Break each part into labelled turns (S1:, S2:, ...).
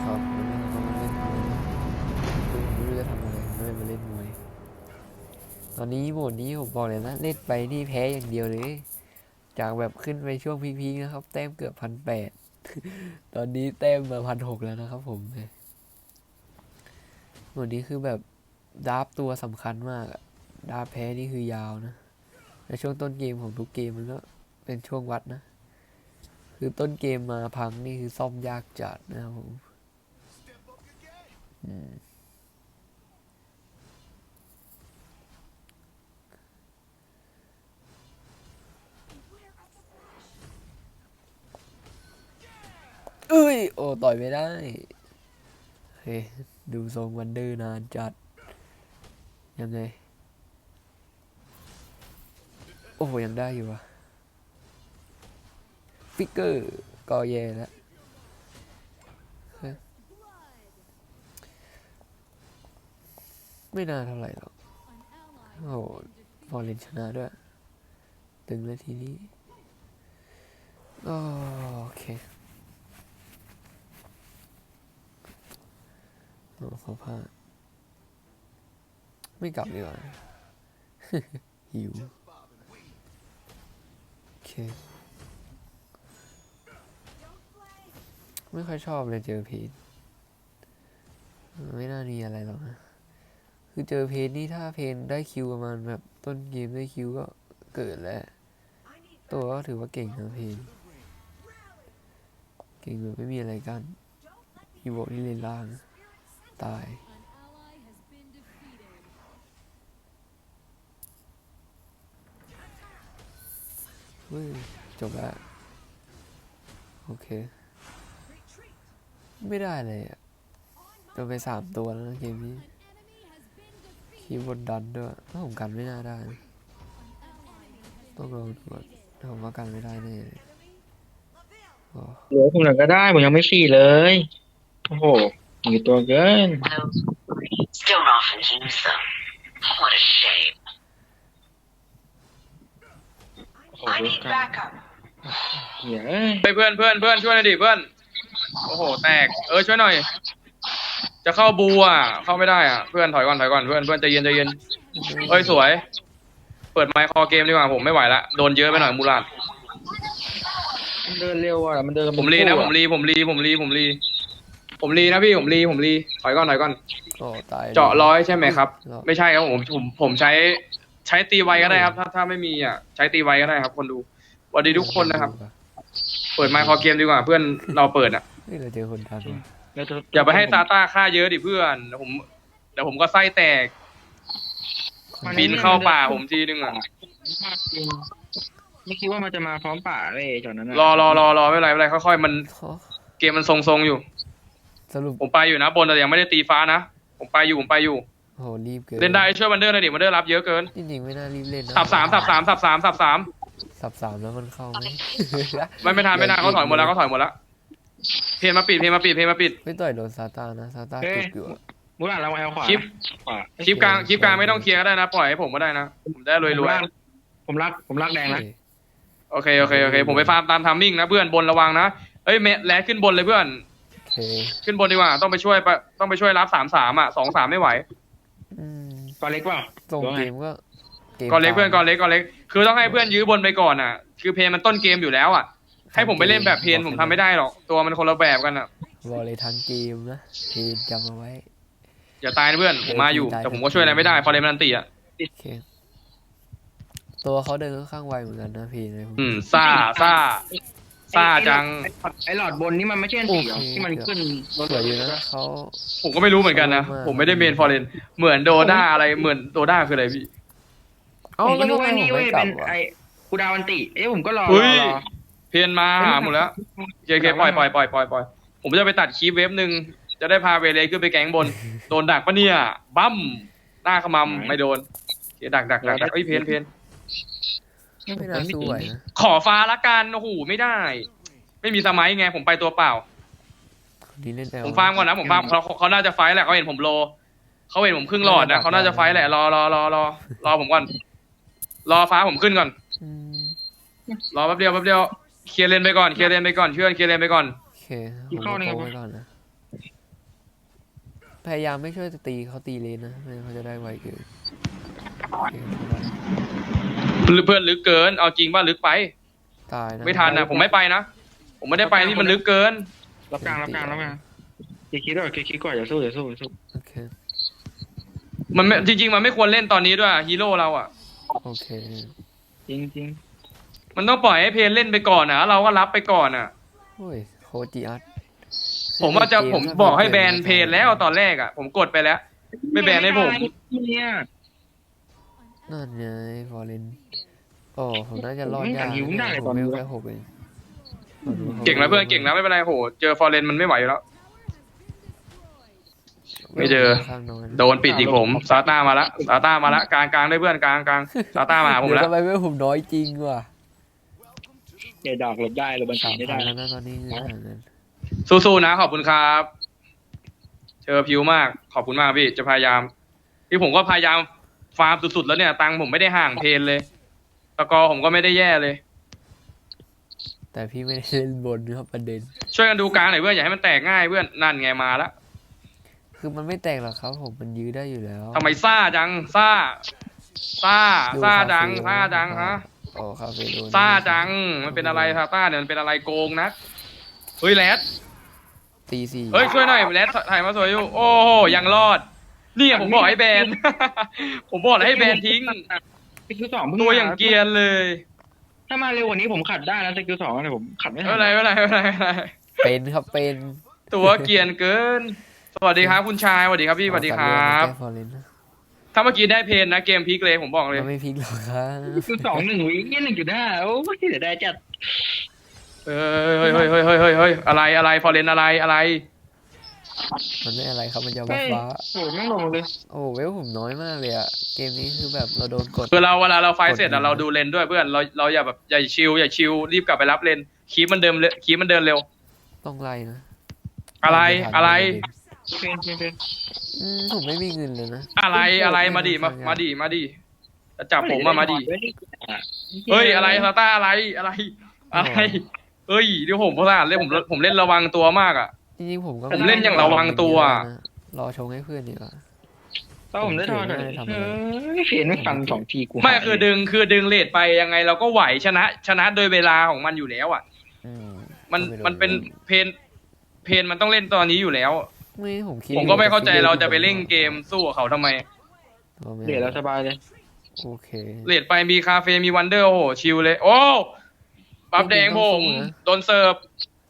S1: ครับวันนี้เรามาเล่นมวยนะไม่รู้จะทำอะไรไม่มาเล่นมวยตอนนี้โหมดนี้ผมบอกเลยนะเล่นไปนี่แพ้อย่างเดียวเลยจากแบบขึ้นไปช่วงพีคๆนะครับแต้มเกือบ1,800ตอนนี้แต้มมา1,600แล้วนะครับผมโหมดนี้คือแบบดราฟตัวสำคัญมากอะดราฟแพ้นี่คือยาวนะในช่วงต้นเกมของทุกเกมมันก็เป็นช่วงวัดนะคือต้นเกมมาพังนี่คือซ่อมยากจัดนะครับผมเอ้ยโอ้ต่อยไม่ได้เฮ้ยดูทรงวันเดอร์นานจัดยังไงโอ้โหยังได้อยู่วะฟิกเกอร์ก็แย่แล้วไม่น่าเท่าไหร่หรอกโอ้โหฟอร์เรนชนะด้วยตึงแล้วทีนี้โอเคโอ้เขาพลาดไม่กลับดีกว่า หิวโอเคไม่ค่อยชอบเลยเจอเพจไม่น่ามีอะไรหรอกนะคือเจอเพจนี่ถ้าเพนได้คิวประมาณแบบต้นเกมได้คิวก็เกิดแล้วตัวก็ถือว่าเก่งนะเพนเก่งแบบไม่มีอะไรกันอีโวที่เลนล่างตายเฮ้ยจบแล้วโอเคไม่ได้เลยอ่ะโดนไป3 ตัวแล้วนะเกมนี้คีย์บนดันด้วยถ้าผมกันไม่น่าได้นะต้องลองดูก่อนถ้าผมว่ากันไม่ได้แน่เลยอ๋อ
S2: เหลือผมหน่อยก็ได้ผมยังไม่สี่เลยโอ้โหมีตัวเกิน
S3: Still not often use them. What a shame.
S2: โอ้โห
S3: I
S2: ดู
S3: need
S2: กัน
S3: backup.
S2: เหี้ยเอ้ย
S4: ไปเพื่อนเพื่อนเพื่อนช่วยหน่อยดิเพื่อนโอ้โหแตกช่วยหน่อยจะเข้าบูอ่ะเข้าไม่ได้อ่ะเพื่อนถอยก่อนถอยก่อนเพื่อนเพื่อนใจเย็นใจเย็นสวยเปิดไมค์คอเกมดีกว่าผมไม่ไหวละโดนเยอะไปหน่อยมูลาด
S2: มันเดินเร็วอ่ะมันเดินกับ
S4: ผมรีนะผมรีนะพี่ผมรีถอยก่อน
S1: โอ้ตาย
S4: เจาะร้อยใช่ไหมครับ
S1: รอบ
S4: ไม่ใช่ครับผมใช้ตีไวก็ได้ครับถ้าไม่มีอ่ะใช้ตีไวก็ได้ครับคนดูสวัสดีทุกคนนะครับเปิดไมค์คอเกมดีกว่าเพื่อนเราเปิดอ่ะ
S1: เฮ้ยเราเจอคนทันว่ะ
S2: แล้วตัว
S4: อย่าไปให้ซาต้าฆ่าเยอะดิเพื่อนเดี๋ยวผมก็ไส้แตกบินเข้าป่าผมทีนึงอ่ะ
S2: จริงไม่คิดว่ามันจะมาพร้อมป่าเลยจอดนั้นอ่ะ
S4: รอไม่เป็นไรค่อยๆมัน
S1: โอ้
S4: เกมมันทรงๆอยู่
S1: สรุป
S4: ผมไปอยู่นะบนแต่ยังไม่ได้ตีฟ้านะผมไปอยู่
S1: โอ้โหรีบเกิน
S4: เล่นได้ช่วยวันเดอร์หน่อยดิวันเดอร์รับเยอะเกิน
S1: จริงๆไม่น่ารีบเล่นนะ
S4: สับสาม
S1: สับ3แล้วมันเข้าไหม
S4: ไม่ทันเขาถอยหมดแล้วเพลงมาปิด
S1: ไม่ต่อยโดนซาต้านะซาต้าจุกอยู่อะ
S2: มูราเราแอลขวาขวา
S4: คลิปกลางไม่ต้องเคลียร์ก็ได้นะปล่อยให้ผมก็ได้นะผมได้รวย
S2: ผมรักแดงนะ
S4: ๆโอเคผมไปฟาร์มตามทัมมิ่งนะเพื่อนบนระวังนะเอ้ยแลดขึ้นบนเลยเพื่อน
S1: โอเค
S4: ขึ้นบนดีกว่าต้องไปช่วยรับ3-3อ่ะ2-3ไม่ไหว
S1: อืม
S2: ตัวเล็กเปล่า
S1: ส่งเกมก็
S4: ก่อนเล็กเพื่อนก่อนเล็ก
S1: ก
S4: คือต้องให้เพื่อนยื้อบนไปก่อนอ่ะคือเพลงมันต้นเกมอยู่แล้วอ่ะให้ผมไปเล่นแบบเพลงผมทำไม่ได้หรอกตัวมันคนละแบบกันอ่ะ
S1: บอกเลยทั้งเกมนะเพนจำเอาไว้
S4: อย่าตายนะเพื่อนผมมาอยู่แต่ผมก็ช่วยอะไรไม่ได้พอเลมันตีอ่ะ
S1: โอเคตัวเขาเดินค่อนข้างไวเหมือนกันนะเพนเลย
S4: ซ่าจัง
S2: ไอหลอดบนนี่มันไม่ใช่อันตีที่มันขึ้น
S1: สวยอยู่นะเขา
S4: ผมก็ไม่รู้เหมือนกันนะผมไม่ได้เมนฟอร์เรนเหมือนโดด้าอะไรเหมือนโดด้าคืออะไรพี่
S2: ผมก็นึกว่านี่เว้ยเป็นไอกูดาวันติผมก็รอ
S4: เพนมาหาหมดแล้วโอเคปล่อยผมจะไปตัดคลิปเว็บหนึ่งจะได้พาเวเลขึ้นไปแก๊งบนโดนดักปะเนี่ยบั้มหน้าขมำไม่โดนดักเอ้ยเพน
S1: ไม่น่าสู้ไหวนะ
S4: ขอฟ้าละกันโอ้โหไม่ได้ไม่มีสมัยไงผมไปตัวเปล่าผมฟาร์มก่อนนะผมฟาร์มเขาน่าจะไฟแหละเขาเห็นผมโลเขาเห็นผมครึ่งหลอดนะเขาน่าจะไฟแหละรอผมก่อนรอฟ้าผมขึ้นก่อนรอแป๊บเดียวเคลียร์เลนไปก่อนเพื่อนเคลียร์เลนไปก่อน
S1: โอเคผมเข้าไปก่อนนะพยายามไม่ช่วยตีเขาตีเลนนะไม่งั้นเขาจะได้ไวเกินโอเค
S4: เพื่อนลึกเกินเอาจริงป่ะลึกไป
S1: ตายนะ
S4: ไม่ทันนะผมไม่ไปนะผมไม่ได้ไปที่มันลึกเกิน
S2: รับกลางอย่าคิดว่าก่อนอย่าสู้
S1: โอเค
S4: มันไม่จริงๆมันไม่ควรเล่นตอนนี้ด้วยฮีโร่เราอ่ะ
S1: โอเค
S2: จริง
S4: มันต้องปล่อยให้เพนเล่นไปก่อนนะเราก็รับไปก่อนอ่ะ
S1: โอ้ยโคจิอัส
S4: ผมบอกให้แบนเพนแล้วตอนแรกอ่ะผมกดไปแล้ว ไม่แบนให้ผม
S2: เนี่ย
S1: นั่นไงฟอร์เรนโอ้ผมน่าจะรอดยาก
S2: หิวได้เลย
S1: ผ
S2: ตอ
S1: ม
S2: น
S1: เว
S2: นี้
S1: ลแค่6 เอง
S4: เก่งแล้วเพื่อนเก่งแล้วไม่เป็นไรโหเจอฟอร์เรนมันไม่ไหวอยู่แล้ว ไม่เจอ
S1: ข้างน้อย
S4: โดนปิดอีกผมซาต้ามาละกลางได้เพื่อนกลางซาต้ามาหาผม
S1: เดี๋ยว
S4: แล้ว
S1: ทำไมเวลผมน้อยจริงว่ะ
S2: เดี๋ยวดอกหลบได้หลบบัญชีไม่ได้
S1: 3,000แล้วนะตอนนี้ห่างกัน
S4: สู้ๆนะขอบคุณครับเจอพิวมากขอบคุณมากพี่จะพยายามที่ผมก็พยายามฟาร์มสุดๆแล้วเนี่ยตังค์ผมไม่ได้ห่างเพนเลยตะกอผมก็ไม่ได้แย่เลย
S1: แต่พี่ไม่ได้เล่นบนนะครับประเด็น
S4: ช่วยกันดูกลางหน่อยเพื่อนอย่าให้มันแตกง่ายเพื่อนนั่นไงมาละ
S1: คือมันไม่แตกหรอกครับผมมันยื้อได้อยู่แล้ว
S4: ทำไมซ่าจังซ่าจังฮะ
S1: โอ้คาเฟ่โดน
S4: ซ่าจังมันเป็นอะไรซาต้าเนี่ยมันเป็นอะไรโกงนะเฮ้ยแรด
S1: ตีสี่
S4: เฮ้ยช่วยหน่อยแรดถ่ายมาสวยอยู่โอ้โหยังรอดเนี่ยผมบอกให้แบน ผมบอกแล้วให้แบนทิ้ง
S2: สกิลสอง
S4: ตัวอย่างเกรียนเลย
S2: ถ้ามาเร็วกว่านี้ผมขัดได้นะสกิลสองเนี่ยผมขัดไม่
S4: ไม่
S2: ทั
S4: เป็นไร
S1: เป็นครับเป็น
S4: ตัวเกรียนเกิน สวัสดีครับคุณชายสวัสดีครับพี่สวัสดีครับ
S1: แก้ฟอร์เรนนะ
S4: ถ้าเมื่อกี้ได้เพนนะเกมพลิกเลยผมบอกเลย
S1: มันไม่พลิกหรอกครับ
S2: สกิล2 1 วิ1.5โอ้ยเดี๋ยวได้จัด
S4: เฮ้ยอะไรฟอร์เรนอะไร
S1: มันไม่อะไรครับมันจะบัฟฟ้า
S2: โอ้ยไม่ลงเลย
S1: โอ้เวลผมน้อยมากเลยอะเกมนี้คือแบบเราโดนกด
S4: คือเราเวลาเราไฟท์เสร็จอะเราดูเลนด้วยเพื่อนเราอย่าแบบอย่าชิลรีบกลับไปรับเลนคีบมันเดินเร็ว
S1: ต้องไล่นะ
S4: อะไร
S2: เป็น
S1: ผมไม่มีเงินเลยนะ
S4: อะไรมาดิจะจับผมมาดิเฮ้ยอะไรซาต้าอะไรเฮ้ยเดี๋ยวผมพลาดเลยผมเล่นระวังตัวมากอะ
S1: จริงๆผมก็
S4: ผมเล่นอย่างระวังตัว
S1: รอชงให้เพื่อนดีกว่า
S2: ถ้าผมได้ทอนหน่อยเขียนไม่ฟัน2 ทีกู
S4: ไม่คือดึงเลทไปยังไงเราก็ไหวชนะโดยเวลาของมันอยู่แล้วอ่ะ มันเป็นเพนมันต้องเล่นตอนนี้อยู่แล้ว
S1: ไม่ผมคิด
S4: ผมก็ไม่เข้าใจเราจะไปเล่นเกมสู้กับเขาทำไม
S2: เดี๋ยวเราสบายเลย
S1: โอเค
S4: เลทไปมีคาเฟ่มีวันเดอร์โอ้โหชิลเลย โอ้บัฟแดงผมโดนเสิร์ฟ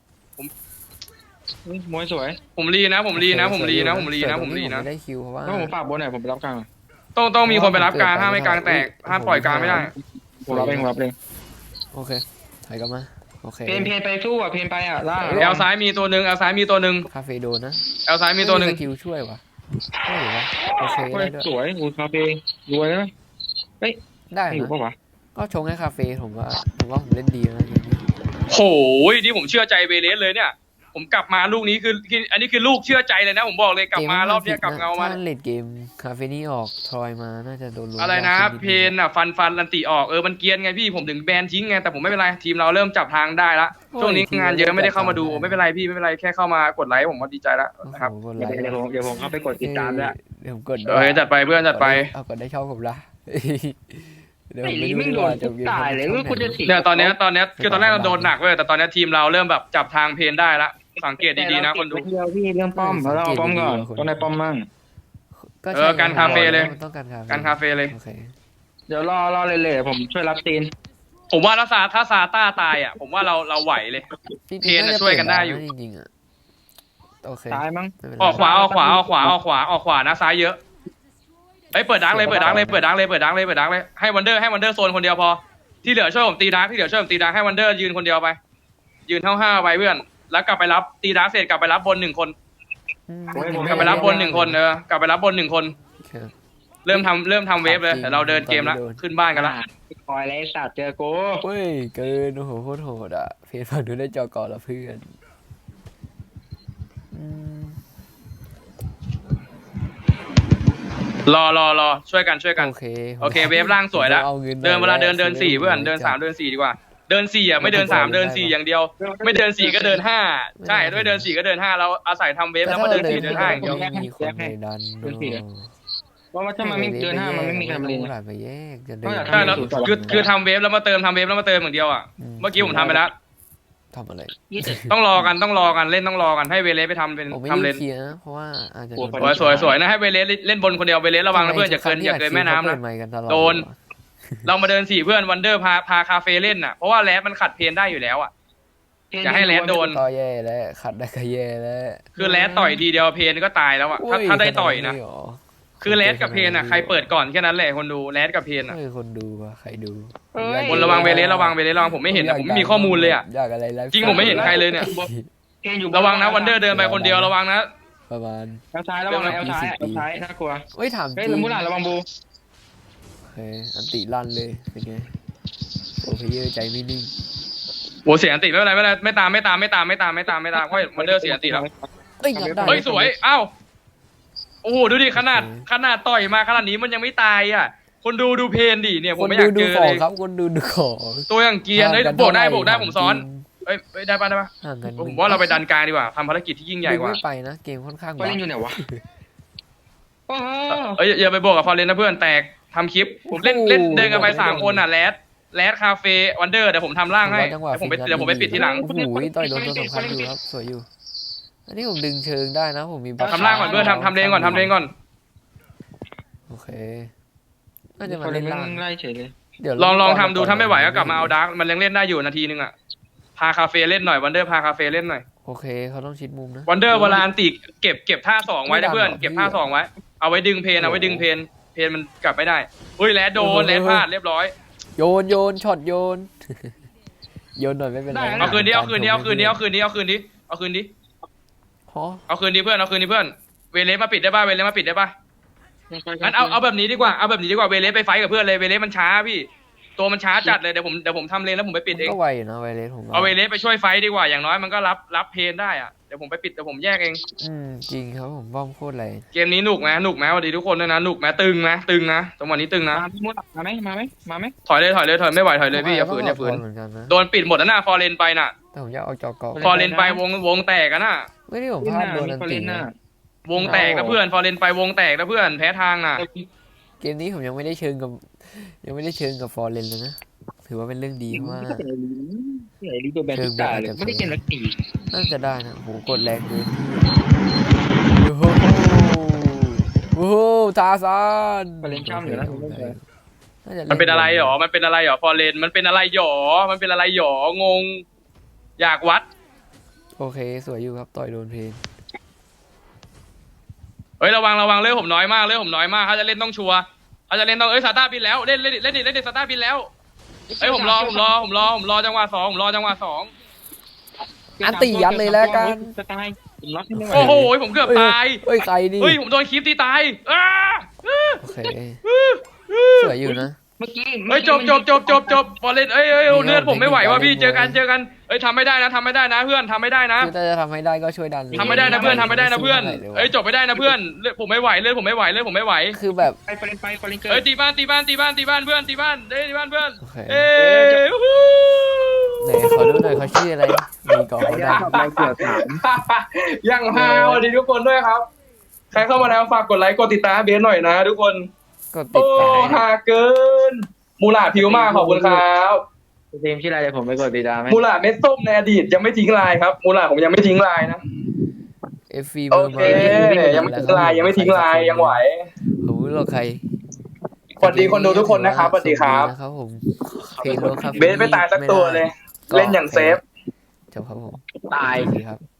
S2: มวยสวย
S4: ผมรีนะ
S1: ไม่ได้คิวเพราะว่า
S2: ถ้าผมฝากบนหน่อยผมไปรับกลาง
S4: ต้องมีคนไปรับกลางห้ามไม่กลางแตกห้ามปล่อยกลางไม่ได้
S2: ผมรับเอง
S1: โอเคถอยกลับมาโอเค
S2: เพนไปสู้อ่ะเพนไปอ่ะล่าง
S4: แอลซ้ายมีตัวหนึ่ง
S1: คาเฟ่โดนนะ
S4: แอลซ้ายมีตัวหนึ่ง
S1: สกิลช่วยวะได้หรือวะโอเคได้ด้วย
S2: สวยอูคาเฟ่รวยนะ
S1: ได้
S2: อยู่
S1: นะ
S2: ปะวะ
S1: ก็ชงให้คาเฟ่ผมว่าผมเล่นดีนะเกมนี้
S4: โหยนี่ผมเชื่อใจเบเลสเลยเนี่ย ผมกลับมาลูกนี้คืออันนี้คือลูกเชื่อใจเลยนะ ผมบอกเลยกลับมารอบเนี้ยกลับเงามา
S1: ถ้าเลดเกมคาเฟนี่ออกทรอยมาน่าจะโดนลง
S4: อะไรนะ เพนอ่ะฟันลันติออกมันเกรียนไงพี่ผมถึงแบนทิ้งไงแต่ผมไม่เป็นไรทีมเราเริ่มจับทางได้ละช่วงนี้งานเยอะไม่ได้เข้ามาดูไม่เป็นไรพี่ไม่เป็นไรแค่เข้ามากดไลค์ผมก็ดีใจแล้วนะครับ
S2: เดี๋ยวผมเข้าไปกดติดตามแล้ว
S1: เดี๋ยวผมกด
S4: จัดไปเพื่อนจัดไป
S1: เอากดได้ชอบผมละเดี๋ยว
S2: ไอ้
S1: ผม
S2: ลี
S1: ไม่
S2: ไม่
S1: รู้
S2: โดน
S1: ว่าจะมี
S2: ตายเลยว่าคุณจะถี
S4: เนี่ยตอนเนี้ยคือตอนแรกเราโดนหนักเว้ยแต่ตอนนี้ทีมเราเริ่มแบบจับทางเพนได้ละสังเกตดีๆนะคนดู
S2: เดียวพี่เรื่องป้อมเราเอาป้อมก่อนต้องได้ป้อมมั่ง
S1: ก็ใช่
S4: การคาเฟ่เลย
S1: มันต้องการ
S4: การคาเฟ่เลย
S1: โอเค
S2: เดี๋ยวรอเลยผมช่วยรับตีน
S4: ผมว่าถ้าซาต้าตายอ่ะผมว่าเราไหวเลย
S1: จริงๆ
S4: เพนน่ะช่วยกันได้อยู่
S1: จริงๆอ่ะโอเค
S2: ตายมั้ง
S1: ไม่เป็นไร
S4: ออกขวานะซ้ายเยอะเปิดดังเลยให้วันเดอร์โซนคนเดียวพอที่เหลือช่วยผมตีดักให้วันเดอร์ยืนคนเดียวไปยืนห้าวไปเพื่อนแล้วกลับไปรับตีดักเสร็จกลับไปรับบน1 คน กลับไปรับบน1 คนกลับไปรับบน1 คน
S1: โอเค
S4: เริ่มทำเวฟเลยแต่เราเดินเกมแล้วขึ้นบ้านกันละ
S2: คอยไรสัตว์เจอกู
S1: เฮ้ยเกินโอ้โหโคตรโหดอ่ะเพจฝั่งดูได้จอก่อนละเพื่อนอืม
S4: รอช่วยกัน
S1: โอเค
S4: โอเคเวฟล่างสวยแล้ว
S1: อางิน
S4: เดิน4เพื่อนเดิน3เดิน4ดีกว่าเดิน4อ่ะไม่เดิน3เดิน4อย่างเดียว ไม่เดิน4ก็เดิน5ใช่ด้วยเดิน4ก็เดิน5เราอาศัยทำเวฟแล้วมาเดิน4เดิน5อย่างเดียว
S1: ไม่มีคนไปดัน
S2: เพราะว่าถ้ามันไม่เดินห้ามันไม่มีการเรียน
S1: หลานไปแยกจะเดิน
S4: ใช่แล้วคือทำเวฟแล้วมาเติมทำเวฟแล้วมาเติมอย่างเดียวอ่ะเมื่อกี้ผมทำไปแล้ว
S1: ทำอะไร
S4: ต้องรอกันเล่นต้องรอกันให้เวเลสไปทำเป็น
S1: ผมไม่
S4: ทำ
S1: ได้
S4: เลน
S1: เคลียร์นะเพราะว่าอาจจะ
S4: สวยนะให้เวเลสเล่นบนคนเดียวเวเลสระวังนะเพื่อนอย่าเกินแม่น้ำนะ โดน เรามาเดิน4เพื่อนวันเดอร์พาคาเฟ่เล่นน่ะเพราะว่าแรดมันขัดเพนได้อยู่แล้วอ่ะอย่าให้แรดโดน
S1: ต่อแย่แล้วขัดได้ก็แย่แล้ว
S4: คือแรดต่อยทีเดียวเพนก็ตายแล้วอ่ะถ้าได้ต่อยนะคือแรดกับเพนอ่ะใครเปิดก่อนแค่นั้นแหละคนดูแรดกับเพนอ่ะ
S1: ไม่คนดูว่ะใครดู
S4: คนระวังเวเลสระวังผมไม่เห็นนะผมไม่มีข้อมูลเลยอ่ะ
S1: อยากอะไรไลฟ์
S4: จริงผมไม่เห็นใครเลยเนี่ย ระวังนะวันเดอร์เดินไปคนเดียวระวังนะ
S1: ประมาณ
S2: แอลซ้ายระวังแอลซ้ายน่ากลัว
S1: เฮ้ยถามจ
S2: เฮ้ย
S1: ริง
S2: มูหลานระวังบู
S1: โอเคอันติลั่นเลยเป็นไงโปรเพเยอร์ใจไม่นิ่ง
S4: โหเสียอันติไม่เป็นไรไม่ตามเพราะวันเดอร์เสียอันติแล้ว
S1: เอ้ยงัดได้
S4: เฮ้ยสวยอ้าวโอ้โหดูดิขนาดต่อยมาขนาดนี้มันยังไม่ตายอ่ะคนดูเพนดิเนี่ยผมไม่อยากเจอ
S1: ขอ
S4: เลย
S1: ครับคนดูของ
S4: ตัวอย่างเกียร์เฮ้ยบวกได้ผมซ้อนเอ้ยได้ปะ
S1: ห่างกัน
S4: ผมว่าเราไปดันกลางดีกว่าทำภารกิจที่ยิ่งใหญ่กว่า
S1: ไม่ไปนะเกมค่อนข้าง
S2: ไปเล่นอยู่ไหนวะโอ้โห
S4: เอ้ยอย่าไปบวกกับฟอร์เรนนะเพื่อนแตกทำคลิปเล่นเดินกันไป3คนอ่ะแรดคาเฟ่วันเดอร์เดี๋ยวผมทำล่างให้เดี๋ยวผมไปปิดทีหลัง
S1: โอ้โหต่อยโดนตัวสำคัญอยู่ครับสวยอยู่อันนี้ผมดึงเชิงได้นะผมมีบัฟ
S4: ทำล่างก่อนเพื่อนทำเลนก่อน
S1: โอเคน่าจะ
S2: ค
S1: มาน
S2: เล่
S1: เล่
S2: น
S1: นล่าง
S2: ไล่เฉยเลย
S1: เดี๋ยว
S4: ลองทำดูถ้าไม่ไหวก็กลับมาเอาดาร์กมันยังเล่นได้อยู่นาทีนึงอ่ะพาคาเฟ่เล่นหน่อยวันเดอร์พาคาเฟ่เล่นหน่อย
S1: โอเคเขาต้องชิดมุมนะ
S4: วันเดอร์เวลาอันติเก็บท่า2ไว้นะเพื่อนเก็บท่า2ไว้เอาไว้ดึงเพนมันกลับไม่ได้อุ้ยแรดโดนแรดพลาดเรียบร้อย
S1: โยนช็อตโยน โยนหน่อยไม่เป็นไร
S4: เอาคืนดิเพื่อนเอาคืนดิ
S1: ฮะ
S4: เพื่อนเวเลสมาปิดได้ป่ะงั้นเอาแบบนี้ดีกว่าเวเลสไปไฟกับเพื่อนเลยเวเลสมันช้าพี่ตัวมันช้าจัดเลยเดี๋ยวผมทำเลนแล้วผมไปปิดเอง
S1: ก็ไวอยู่นะไวเลสผม
S4: เอาเวเลสไปช่วยไฟดีกว่าอย่างน้อยมันก็รับเพนได้อะเดี๋ยวผมไปปิดเดี๋ยวผมแยกเอง
S1: จริงครับผมบ้อมโคตรแรง
S4: เกมนี้หนุกไหมสวัสดีทุกคนด้วยนะหนุกไหมตึงนะจังหวะนี้ตึงนะ
S2: มาไหม
S4: ถอยเลยไม่ไหวถอยเลยพี่อย่าฝืน
S1: เหมือนกันนะ
S4: โดนปิดหมดแล้วน่ะฟอร์เรนไปน่ะ
S1: แต่ผมอยากเอาจอกอ
S4: ฟอร์เรนไปวงแตกกันน่ะ
S1: ไม่ได้ผมพลาดโดนอันตีนะ
S4: วงแตกนะเพื่อนฟอร์เรนไปวงแตกนะเพื่อนแพ้ทางน่ะ
S1: เกมนี้ผมยังไม่ได้เชิงกับฟอร์เรนเลยนะถือว่าเป็นเรื่องดีเพราะว่า
S2: ลีตัวแบนตาเลยไม่ได้เก่งนักตี
S1: น่าจะได้นะโหกดแรงเลยโอ้โหทาซาน
S2: เล่นช่ำอยู่นะ
S4: มันเป็นอะไรหรอฟอร์เรนมันเป็นอะไรหรองงอยากวัด
S1: โอเคสวยอยู่ครับต่อยโดนเพน
S4: เฮ้ยระวังเลือดผมน้อยมากเขาจะเล่นต้องชัวร์เขาจะเล่นต้องซาต้าบินแล้วเล่นดิซาต้าบินแล้วเฮ้ยผมรอจังหวะ2
S1: อันตียัดเลยแล้วกัน
S2: จะตายล็อกไม่ไหว
S4: โอ้โหผมเกือบตาย
S1: เฮ้ยใครนี่
S4: เฮ้ยผมโดนคลิปตีตาย
S1: โอเคสวยอยู่นะ
S2: เมื่อกี้
S4: เฮ้ยจบฟอร์เรนเอ้ยเลือดผมไม่ไหวว่ะพี่เจอกันเอ้ยทำไม่ได้นะเพื่อนทำไม่ได้นะ
S1: คือถ้าจะทำให้ได้ก็ช่วยดัน
S4: ทำไม่ได้นะเพื่อนเอ้ยจบไม่ได้นะเพื่อนผมไม่ไหวเลือดผมไม่ไหว
S1: คือแบบ
S2: ไปเกิน
S4: เอ้ยตีบ้านเพื่อนตีบ้านเพื่อน
S1: โอเค
S4: เอ้ย
S1: ไหนขอดูหน่อยเขาชื่ออะไรมีก่อนเขาดัง
S4: ยังฮาสวัสดีทุกคนด้วยครับใครเข้ามาแล้วฝากกดไลค์กดติดตามเบสหน่อยนะทุกคน
S1: กดติด
S4: โอ้
S1: ตาม
S4: ฮาเกินมูลาผิวมากขอบคุณครับ
S2: ทีมชื่ออะไรเดี๋ยวผมไปกดติดตามไหม
S4: มูลาเม็ดส้มในอดีตยังไม่ทิ้งลายครับมูลาผมยังไม่ทิ้งลายนะ
S1: FV เบ
S4: โอ
S1: อร์
S4: เค
S1: มา
S4: ยังไม่ทิ้งลายยังไหว
S1: ผมรู้หรอกใคร
S4: สวัสดีคนดูทุกคนนะครับสวัสดีครับ
S1: นะครับผมเพลงโลครับ
S4: เบสไม่ตายสักตัวเลย เล่นอย่างเซฟ
S1: จบครับผม
S2: ตาย
S1: สวัสดีครับ